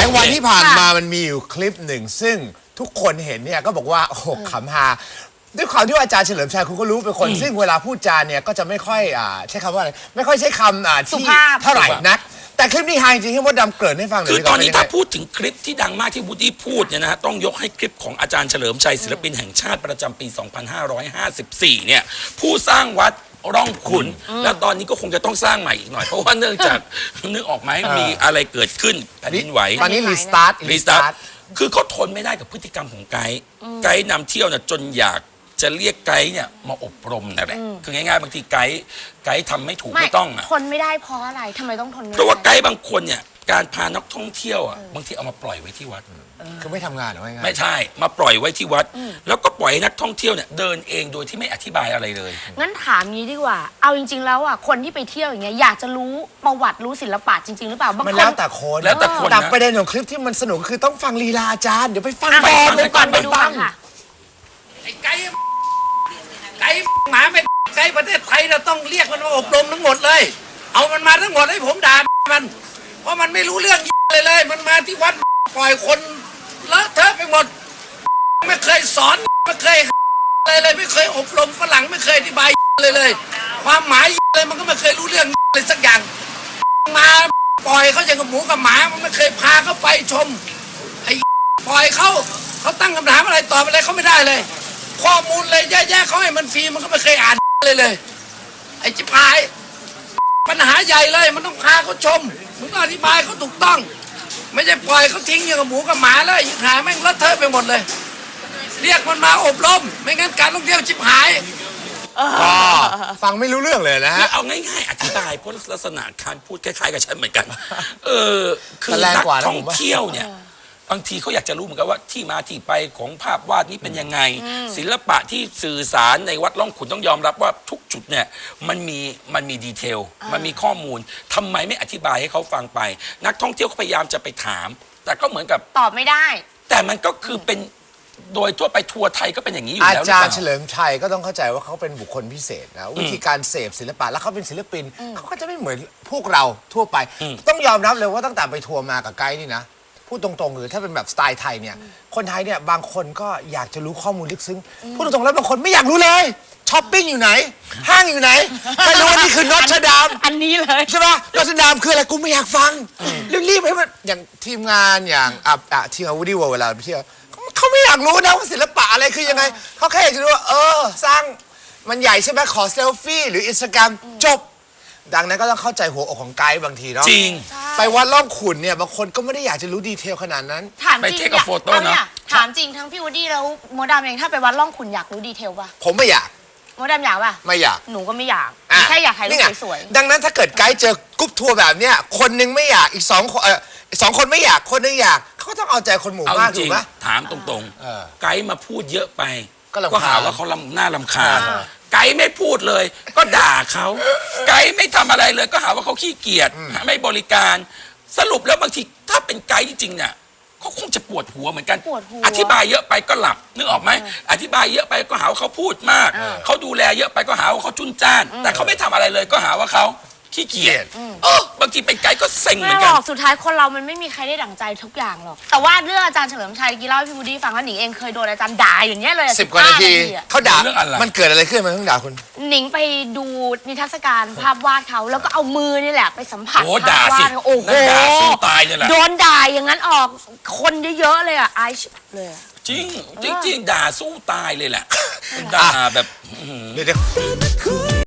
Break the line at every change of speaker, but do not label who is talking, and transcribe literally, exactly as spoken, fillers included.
งวันที่ผ่านมามันมีอยู่คลิปหนึ่งซึ่งทุกคนเห็นเนี่ยก็บอกว่าโอ้โหขำฮาด้วยความที่ว่าอาจารย์เฉลิมชัยคุณก็รู้เป็นคนซึ่งเวลาพูดจาเนี่ยก็จะไม่ค่อยอ่าใช้คำว่าอะไรไม่ค่อยใช้คำอ่าที่เท่าไหร่นักแต่คลิปนี้ฮาจริงๆให้มดดำเกริ่นให้ฟังหน่อย
คือตอนนี้ถ้าพูดถึงคลิปที่ดังมากที่วูดดี้พูดเนี่ยนะฮะต้องยกให้คลิปของอาจารย์เฉลิมชัยศิลปินแห่งชาติประจำปี สองพันห้าร้อยห้าสิบสี่ เนี่ยผู้สร้างวัดร่องขุนแล้วตอนนี้ก็คงจะต้องสร้างใหม่อีกหน่อยเพราะว่าเนื่องจากนึกออกไหมมีอะไรเกิดขึ้นแผ่นดินไหว
ตอนนี้รีสตาร์ท
รีสตาร์ทคือเขาทนไม่ได้กับพฤติกรรมของไกด์ไกด์นำเที่ยวเนี่ยจนอยากจะเรียกไกด์เนี่ยมาอบรมนั่นแหละคือง่ายๆบางทีไกด์ไกด์ทำไม่ถูกไม่ต้องอ่ะ
ทนไม่ได้เพราะอะไรทำไมต้องทนไม่ได้
เพราะว่าไกด์บางคนเนี่ยการพานักท่องเที่ยวอ่ะบางทีเอามาปล่อยไว้ที่วัด
คือไม่ทำงานหรือไง
ไม่ใช่มาปล่อยไว้ที่วัดแล้วก็ปล่อยให้นักท่องเที่ยวเนี่ยเดินเองโดยที่ไม่อธิบายอะไรเลย
งั้นถามงี้ดีกว่าเอาจริงๆแล้วอ่ะคนที่ไปเที่ยวอย่างเงี้ยอยากจะรู้ประวัติรู้ศิลปะจริงๆหรือเปล่าบางคน
มันแล้วแต่คน
แล้วแต่คน
แต่ประเด็นของคลิปที่มันสนุกคือต้องฟังลีลาอาจารย์เดี๋ยวไปฟัง
ไป
ก่อน
ดูก่อนไปดูก่อนค่ะ
ไอ้ไก่ไก่หมาไม่ไก่ประเทศไทยเราต้องเรียกมันมาอบรมทั้งหมดเลยเอามันมาทั้งหมดให้ผมด่ามันเพราะมันไม่รู้เรื่องเลยเลยมันมาที่วัดปล่อยคนเลอะเทอะไปหมดไม่เคยสอนไม่เคยเลยเลยไม่เคยอบรมฝรั่งไม่เคยอธิบายเลยเลยความหมายเลยมันก็ไม่เคยรู้เรื่องเลยสักอย่างมาปล่อยเขาอย่างกับหมูกับหมามันไม่เคยพาเขาไปชมไอ้ปล่อยเขาเขาตั้งคำถามอะไรตอบอะไรเขาไม่ได้เลยข้อมูลเลยแย่ๆเขาให้มันฟรีมันก็ไม่เคยอ่านเลยเลยไอ้จิ๋พายปัญหาใหญ่เลยมันต้องพาเขาชมมึงต้องอธิบายเขาถูกต้องไม่ใช่ปล่อยเขาทิ้งอย่างกับหมูกับหมาเลยหาแม่งเลอะเทอะไปหมดเลยเรียกมันมาอบรมไม่งั้นการท่องเที่ยวชิบหาย
ก็ฟังไม่รู้เรื่องเลยนะฮะ
เอาง่ายๆอธิบายเพราะลักษณะการพูดคล้ายๆกับฉันเหมือนกันเออคือนักท่องเที่ยวเนี่ยบางทีเขาอยากจะรู้เหมือนกันว่าที่มาที่ไปของภาพวาดนี้เป็นยังไงศิลปะที่สื่อสารในวัดร่องขุนต้องยอมรับว่าทุกจุดเนี่ยมันมีมันมีดีเทลมันมีข้อมูลทำไมไม่อธิบายให้เขาฟังไปนักท่องเที่ยวเขาพยายามจะไปถามแต่ก็เหมือนกับ
ตอบไม่ได้
แต่มันก็คือเป็นโดยทั่วไปทัวร์ไทยก็เป็นอย่างนี้อยู่แล้ว
อาจารย์เฉลิมชัยก็ต้องเข้าใจว่าเขาเป็นบุคคลพิเศษนะวิธีการเสพศิลปะแล้วเขาเป็นศิลปินเขาก็จะไม่เหมือนพวกเราทั่วไปต้องยอมรับเลยว่าตั้งแต่ไปทัวร์มากับไกด์นี่นะพูดตรงๆหรือถ้าเป็นแบบสไตล์ไทยเนี่ยคนไทยเนี่ยบางคนก็อยากจะรู้ข้อมูลลึกซึ้งพูดตรงๆแล้วบางคนไม่อยากรู้เลยช้อปปิ้งอยู่ไหนห้างอยู่ไหนไม่รู้ว่านี่คือนอตเทอร์ดาม
อันนี้เลย
ใช่ปะนอตเทอร์ดามคืออะไรกูไม่อยากฟังรีบๆให้มันอย่างทีมงานอย่างอ่ะอ่ะทีมวูดดี้เวิลด์เวลาไปเที่ยวเขาไม่อยากรู้นะว่าศิลปะอะไรคือยังไงเขาแค่อยากจะรู้ว่าเออสร้างมันใหญ่ใช่ไหมขอเซลฟี่หรืออินสตาแกรมจบดังนั้นก็ต้องเข้าใจหัวอกของไกด์บางทีเนาะ
จริง
ไปวัดล่องขุนเนี่ยบางคนก็ไม่ได้อยากจะรู้ดีเทลขนาดนั้น
ถามจริง
ไปเทคโฟโต้นะ
ถามจริงทั้งพี่วูดดี้แล้วโมดามเองถ้าไปวัดล่องขุนอยากรู้ดีเทลป่ะ
ผมไม่อยาก
โมดามอยากป่ะ
ไม่อยาก
หนูก็ไม่อยากแค่อยากถ่ายรูปสวย
ๆดังนั้นถ้าเกิดไกด์เจอกรุ๊ปทัวร์แบบเนี้ยคนนึงไม่อยากอีกสองคนเออสองคนไม่อยากคนนึงอยากเขาก็ต้องเอาใจคนหมู่มากถูกไหม
ถามตรงๆไกด์มาพูดเยอะไป
ก็
หาว่าเขาหน้าลำคาญไกด์ไม่พูดเลยก็ด่าเขาไกด์ไม่ทำอะไรเลยก็หาว่าเขาขี้เกียจไม่บริการสรุปแล้วบางทีถ้าเป็นไกด์จริงๆเนี่ยเขาคงจะปวดหัวเหมือนกันอธิบายเยอะไปก็หลับนึกออกไหมอธิบายเยอะไปก็หาว่าเขาพูดมากเขาดูแลเยอะไปก็หาว่าเขาจุนจ้านแต่เขาไม่ทำอะไรเลยก็หาว่าเขาขี้เกียจเออบางทีเป็นไกด์ก็เซ็งเหมือนกัน
สุดท้ายคนเรามันไม่มีใครได้ดั่งใจทุกอย่างหรอกแต่ว่าเรื่องอาจารย์เฉลิมชัยกี้เล่าให้พี่วูดดี้ฟังว่าหนิงเองเคยโดนอาจารย์ด่าอย่างเงี้ยเลย
สิบกว่านาทีเขาด่าเรื่องอะไรมันเกิดอะไรขึ้นมันต้องด่าคุณ
หนิงไปดูนิทรรศการภาพวาดเขาแล้วก็เอามือนี่แหละไปสัมผัส
ภาพวาด
โอ้โห
สู้ตายเลยแหละ
โดนด่าอย่างนั้นออกคนเยอะๆเลยอ่ะไอชเลย
จริงจริงด่าสู้ตายเลยแหละด่าแบบ